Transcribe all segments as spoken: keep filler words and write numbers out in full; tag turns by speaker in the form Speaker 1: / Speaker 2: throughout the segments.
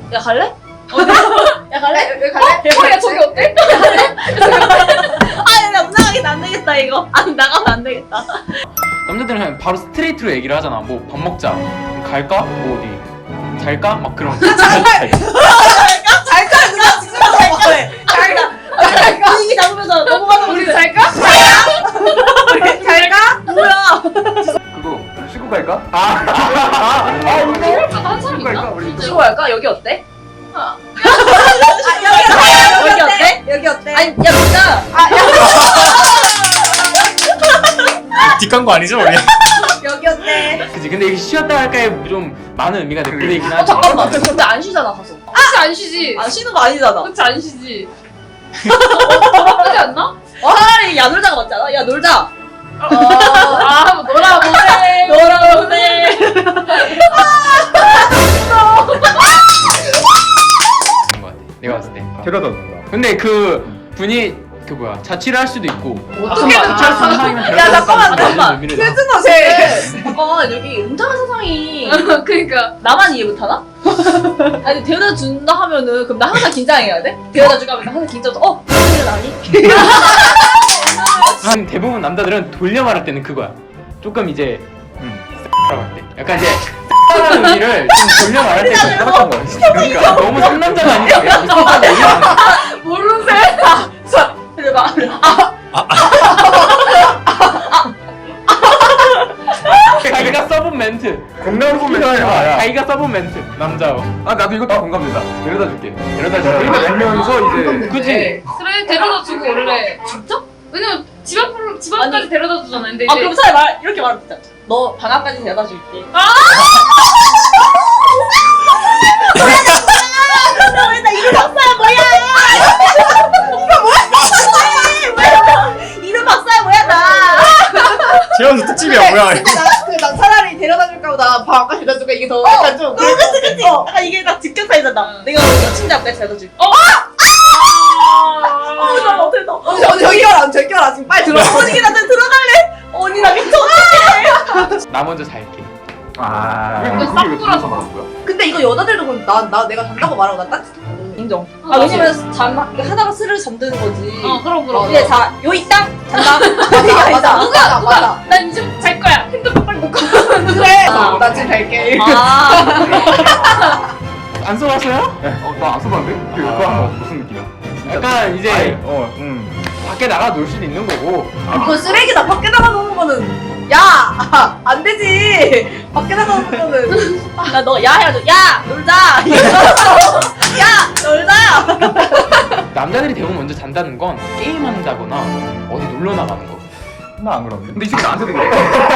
Speaker 1: 야 갈래? 어디? 야 갈래?
Speaker 2: 여기 갈래?
Speaker 1: 어, 야 저기 어때? 아, 야, 못 나가겠다. 안 되겠다 이거. 안 나가면 안 되겠다.
Speaker 3: 남자들은 그냥 바로 스트레이트로 얘기를 하잖아. 뭐 밥 먹자. 그럼 갈까? 뭐 어디? 잘까? 막 그런. 잘, 잘.
Speaker 2: 잘까? 누가 지금 잘까? 잘까? 잘까?
Speaker 1: 분위기 잡으면서 넘어가서
Speaker 2: 우리 잘까? 잘까?
Speaker 1: 뭐야?
Speaker 4: 그거 쉬고 갈까? 아, 아, 아, 이거
Speaker 5: 아까 한 사람
Speaker 4: 쉬고 갈까?
Speaker 5: 있나?
Speaker 4: 우리
Speaker 1: 쉬고 갈까? 여기 어때?
Speaker 2: 아, 여기
Speaker 1: 여기 어때?
Speaker 2: 여기 어때?
Speaker 1: 아니, 야 진짜.
Speaker 6: 뒷간 거 아니죠 우리?
Speaker 2: 여기 어때?
Speaker 3: 그치. 근데 이게 쉬었다 할까에 좀 많은 의미가 댓글에 있긴
Speaker 1: 어
Speaker 3: 하지.
Speaker 1: 잠깐만. 근데 안 쉬잖아 가서.
Speaker 5: 그치 안 쉬지.
Speaker 1: 안 쉬는 거 아니잖아.
Speaker 5: 그치 안 쉬지. 더 나쁘지 않나?
Speaker 1: 어, 차라리 야 놀자가 맞잖아. 야 놀자.
Speaker 5: 아 뭐 놀아보세.
Speaker 1: 놀아보세.
Speaker 3: 그런 거 같아. 내가 봤을 때.
Speaker 4: 데려다 준다.
Speaker 3: 근데 그 분이 그 뭐야 자취를 할 수도 있고.
Speaker 1: 어떻게
Speaker 3: 자취할 수 있는 사람이면
Speaker 1: 야, 잠깐만,
Speaker 3: 데려다
Speaker 1: 잠깐만.
Speaker 3: 주는 의미를
Speaker 2: 세준아 쟤.
Speaker 1: 잠깐 여기 음탕한 세상이
Speaker 5: 그러니까
Speaker 1: 나만 이해 못하나? 아니 데려다 준다 하면은 그럼 나 항상 긴장해야 돼? 데려다 주고 하면 나 항상 긴장해서 어? 무슨 일 아니?
Speaker 3: 한 대부분 남자들은 돌려 말할 때는 그거야. 조금 이제 음, 라고 할 때. 약간 이제 라는 의미를 좀 돌려 말할 때 좀
Speaker 4: 살았던 거야.
Speaker 3: 그러니까 너무 상남자가 아니야. 그냥 무슨 얘기하는
Speaker 1: 모르세? 해봐.
Speaker 3: 자기가 써본 멘트.
Speaker 4: 공감 보면 야,
Speaker 3: 자기가 써본 멘트. 남자어.
Speaker 4: 아 나도 이거 다 공감된다. 데려다 줄게.
Speaker 3: 데려다
Speaker 4: 데려다
Speaker 3: 줄게.
Speaker 4: 주면서 이제
Speaker 3: 그치?
Speaker 5: 그래 데려다 주고 원래 진짜? 왜냐면 집 앞으로 집 앞까지
Speaker 1: 아니.
Speaker 5: 데려다 주잖아. 근데
Speaker 1: 아
Speaker 5: 이제
Speaker 1: 그럼 차라리 말 이렇게 말하면 되잖아. 너 방학까지 데려다 줄게. 아! 뭐야 나 이름 박사야 뭐야? 이거 뭐야? 이름 박사야 뭐야 나?
Speaker 6: 재현수 특집이야 뭐야?
Speaker 2: 나 차라리 데려다 줄까 보다 방학까지 데려다 줄까 이게 더 약간 좀.
Speaker 1: 그치 그치 그치. 아 이게 딱 직격사이잖아. 내가 여친자 앞까지 데려다 줄게. 어? 어, 나 어떻게 너?
Speaker 2: 언니 언니 저기 와라 저기 와라 지금 빨리 들어.
Speaker 1: 언니 나한테 들어갈래? 언니 나 미쳐.
Speaker 3: 나 먼저 잘게.
Speaker 4: 아
Speaker 5: 이거
Speaker 4: 그게 왜
Speaker 5: 싹
Speaker 4: 그래서 말한 거야?
Speaker 2: 근데 이거 여자들도 그럼 나, 나 내가 잔다고 말하고 나 따뜻하거든.
Speaker 1: 인정.
Speaker 5: 아,
Speaker 1: 아 왜냐면 잠 하다가 스를 잠드는 거지.
Speaker 5: 어 그럼 그럼.
Speaker 1: 이제 자요 있다 잔다.
Speaker 2: 맞아 맞아 맞아 맞아.
Speaker 5: 난 이제 잘 거야. 핸드폰 빨리 놓고.
Speaker 2: 그래. 나 지금 갈게.
Speaker 1: 아.
Speaker 3: 안 써봤어요?
Speaker 4: 어나 안 써봤는데? 그
Speaker 3: 아.
Speaker 4: 그거 하면 무슨 느낌이야?
Speaker 3: 약간 이제
Speaker 4: 아니, 어, 음.
Speaker 3: 밖에 나가 놀 수도 있는 거고.
Speaker 2: 이거 쓰레기다. 밖에 나가 놓는 거는 야! 안 되지. 밖에 나가 놓는 거는
Speaker 1: 나 너 야 해가지고 야 놀자. 야 놀자.
Speaker 3: 남자들이 대부분 먼저 잔다는 건 게임한다거나 어디 놀러 나가는 거.
Speaker 4: 나 안 그러는데? 근데 이 새끼 나한테도 그래.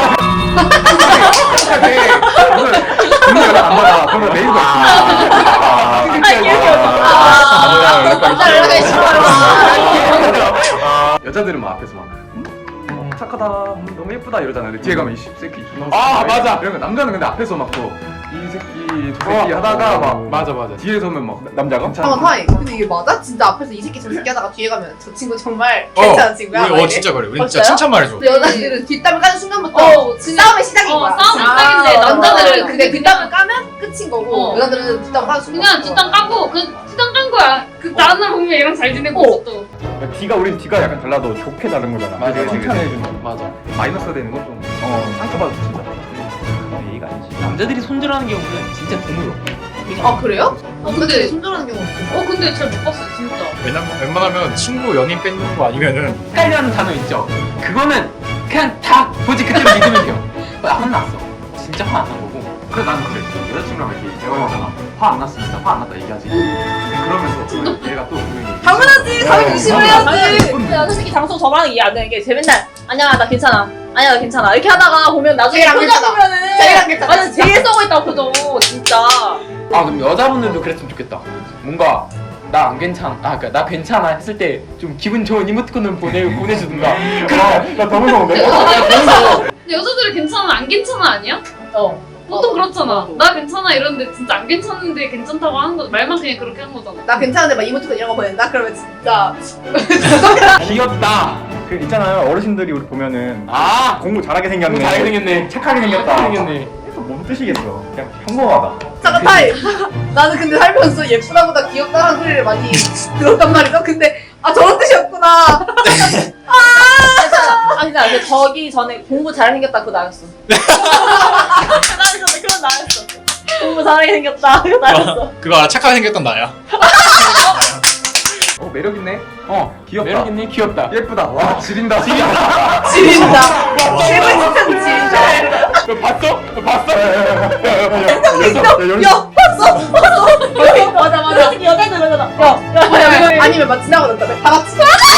Speaker 4: 오늘 오늘 안 받아. 그러면 메일도
Speaker 1: 아 이렇게
Speaker 4: 아,
Speaker 1: 남자 연락하기 싫어.
Speaker 4: 여자들은 막 앞에서 막 음? 어, 착하다, 음, 너무 예쁘다 이러잖아. 근데 뒤에 가면 이 새끼 존나
Speaker 3: 아,
Speaker 4: 웃기네.
Speaker 3: 맞아.
Speaker 4: 이런 거 남자는 근데 앞에서 막 또 이 새끼 저 새끼 하다가 막
Speaker 3: 맞아 맞아.
Speaker 4: 뒤에 서면 막 남자가
Speaker 2: 잠깐만 타임. 근데 이게 맞아? 진짜 앞에서 이 새끼 저 새끼 하다가 뒤에 가면 저 친구 정말
Speaker 6: 어,
Speaker 2: 괜찮은 친구야?
Speaker 6: 우리
Speaker 2: 막
Speaker 6: 어
Speaker 2: 이래?
Speaker 6: 진짜 그래. 우리
Speaker 1: 어,
Speaker 6: 진짜
Speaker 1: 진짜요?
Speaker 6: 칭찬 말해줘.
Speaker 2: 근데 여자들은 뒷담을 까는 순간부터
Speaker 5: 어, 진짜.
Speaker 2: 싸움의 시작인
Speaker 5: 어,
Speaker 2: 거야.
Speaker 5: 싸움의
Speaker 2: 아,
Speaker 5: 시작인데
Speaker 2: 맞아.
Speaker 5: 남자들은
Speaker 2: 근데
Speaker 5: 그게
Speaker 2: 뒷담을 까면 끝인 거고
Speaker 5: 어.
Speaker 2: 여자들은 뒷담을 까는 순간
Speaker 5: 그냥 뒷담 까고 그 뒷담 깐 거야. 그 다른 날 보면 얘랑 잘 지내고
Speaker 2: 어.
Speaker 5: 있어 또.
Speaker 4: 뒤가 우린 뒤가 약간 달라도 좋게 다른 거잖아.
Speaker 3: 맞아, 맞아.
Speaker 4: 칭찬해주는
Speaker 3: 맞아.
Speaker 4: 마이너스 되는 건 좀 어, 상처받을 수 있다. 예의가 아니지.
Speaker 3: 남자들이 손절하는 경우는 진짜 드물어.
Speaker 2: 아 그래요? 어 근데
Speaker 5: 근데-
Speaker 2: 손절하는 경우 없어.
Speaker 5: 어 근데 잘 못 봤어 진짜.
Speaker 6: 왜냐면 웬만하면 친구 연인 뺏는 거 아니면은
Speaker 3: 헷갈리는 단어 있죠. 그거는 그냥 다 보지 그대로 믿으면 돼요. 나 혼났어. 진짜 화 안 난 거고.
Speaker 4: 그래 나는 그래. 여자친구랑 이렇게 대화하잖아. 화 안 났으면 진짜 화 안 났다 얘기하지. 근데 그러면서 얘가 또 분명히
Speaker 2: 당연하지. 당연히 의심을 해야지.
Speaker 1: 야 솔직히 장소 저만 이해 안 되는 게 쟤 맨날 아니야 나 괜찮아. 아니야 나 괜찮아. 이렇게 하다가 보면 나중에
Speaker 2: 쟤랑
Speaker 1: 표정
Speaker 2: 괜찮아.
Speaker 1: 보면은
Speaker 2: 쟤랑 괜찮아,
Speaker 1: 맞아
Speaker 2: 진짜.
Speaker 1: 제일 썩어 있다 표정 진짜.
Speaker 3: 아 그럼 여자분들도 그랬으면 좋겠다. 뭔가 나 안 괜찮아. 아 그러니까 나 괜찮아 했을 때 좀 기분 좋은 이모티콘을 보내 보내주든가. 그래.
Speaker 4: 나더 무서운데?
Speaker 5: 근데 여자들이 괜찮아 안 괜찮아 아니야?
Speaker 1: 어.
Speaker 5: 보통 그렇잖아.
Speaker 1: 나도.
Speaker 5: 나 괜찮아 이러는데 진짜 안 괜찮은데 괜찮다고 하는 거 말만 그냥 그렇게 한 거잖아.
Speaker 2: 나 괜찮은데 막 이모티콘 이런 거 보낸다? 그러면 진짜
Speaker 3: 귀엽다.
Speaker 4: 그 있잖아요 어르신들이 우리 보면은
Speaker 3: 아
Speaker 4: 공부 잘하게 생겼네.
Speaker 3: 공부 잘하게 생겼네.
Speaker 4: 착하게 생겼다.
Speaker 3: 착하게 생겼네.
Speaker 4: 그래서 뭐 무슨 뜻이겠어. 그냥 평범하다.
Speaker 2: 잠깐 타임. 나는 근데 살면서 예쁘다보다 귀엽다는 소리를 많이 들었단 말이죠. 근데 아 저런 뜻이었구나.
Speaker 1: 아 진짜 그 저기 전에 공부 잘생겼다 그거 나였어. 나였어. 그건 나였어. 공부 잘하게 생겼다 그거 나였어.
Speaker 6: 그거 알아? 착하게 생겼던 나야.
Speaker 4: 어 매력 있네.
Speaker 3: 어
Speaker 4: 귀엽다.
Speaker 3: 매력 있네 귀엽다.
Speaker 4: 예쁘다. 와 지린다.
Speaker 3: 지린다.
Speaker 2: 지린다. 세븐틴 지린다.
Speaker 3: 너 봤어? 너 봤어?
Speaker 2: 야 봤어 봤어.
Speaker 1: 맞아 맞아. 여자들 그러잖아.
Speaker 2: 아니면 아니면 막 지나가던가 다 같이.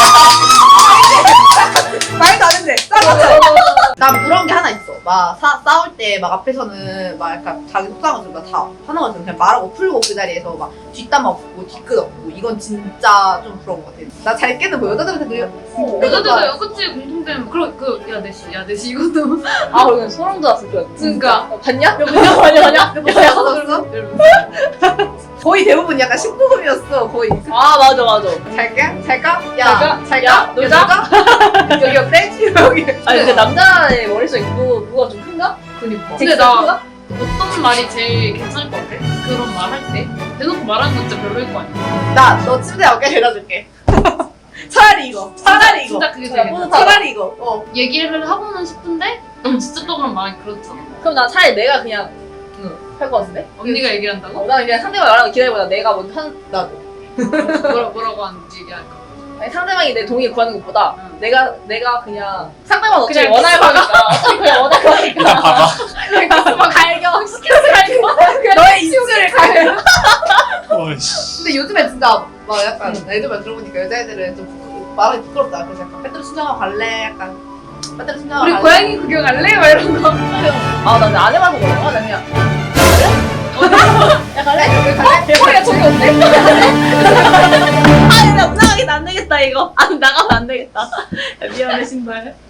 Speaker 2: 말도 안 했네. 난 그런 게 하나 있어. 막 사, 싸울 때 막 앞에서는 막 약간 자기 속상한 거다 화나가지고 그냥 말하고 풀고 그 자리에서 막 뒷담 없고 뒤끝 없고 이건 진짜 좀 부러운 것 같아. 나 잘 깨는 뭐 여자들한테 그게
Speaker 5: 여자들도 그치 공통된 그런 그 야내시 야내시 이것도
Speaker 1: 아 그러면 소름 돋았을 거야.
Speaker 5: 그러니까
Speaker 1: 봤냐? 봤냐? 봤냐? 봤냐?
Speaker 2: 야 받았어? 거의 대부분 약간 십구금이었어 거의.
Speaker 1: 아 맞아 맞아.
Speaker 2: 잘게? 잘까?
Speaker 1: 잘까?
Speaker 2: 야 잘까?
Speaker 1: 야, 놀자?
Speaker 2: 여기 어때? 여기.
Speaker 1: 아니 근데 남자의 머릿속 있고 누가 좀 큰가?
Speaker 5: 그니까
Speaker 1: 되게
Speaker 5: 근데 나
Speaker 1: 큰가?
Speaker 5: 어떤 말이 제일 괜찮을 것 같아? 그런 말 할 때 대놓고 말하는 건 진짜 별로일 거 아니야
Speaker 2: 나너 침대 어깨 데려줄게. 차라리 이거. 차라리 이거.
Speaker 5: 진짜 그게 제일 괜찮아
Speaker 1: 뿌듯하다.
Speaker 2: 차라리 이거. 어.
Speaker 5: 얘기를 하고는 싶은데 넌 진짜 또 그런 말이 그렇잖아
Speaker 1: 그럼 난 차라리 내가 그냥 할 것 같은데?
Speaker 5: 언니가 얘기를
Speaker 1: 어,
Speaker 5: 한다고?
Speaker 1: 나는 그냥 상대방 말하는 거 기다리보다 내가 먼저 한 나도.
Speaker 5: 뭐라, 뭐라고 하는지 얘기할까
Speaker 1: 아니, 상대방이 내 동의 구하는 것보다
Speaker 5: 응.
Speaker 1: 내가 내가 그냥 상대방 어차피
Speaker 5: 그냥
Speaker 1: 원할 거니까 어차피 그냥 원할 거니까
Speaker 6: 일단 봐봐.
Speaker 1: 막 갈겨 스케치 갈겨
Speaker 2: 너의 입술을 가려.
Speaker 6: 어이씨.
Speaker 2: 근데 요즘에 진짜 막 약간 애들 말 들어보니까 여자애들은 좀 부끄, 말하기 부끄럽다. 그래서 약간 배터리 충전하고 갈래? 약간 배터리 충전하고
Speaker 5: 우리
Speaker 2: 갈래?
Speaker 5: 고양이 구경 갈래? 막 이런 거
Speaker 1: 아나 안 해봐서 그런가? 나 그냥
Speaker 2: 야 갈래? 여기 갈래?
Speaker 1: 어? 야 저기 없네? 아니 나 나가긴 안 되겠다 이거 안 나가면 안 되겠다 야, 미안해 신발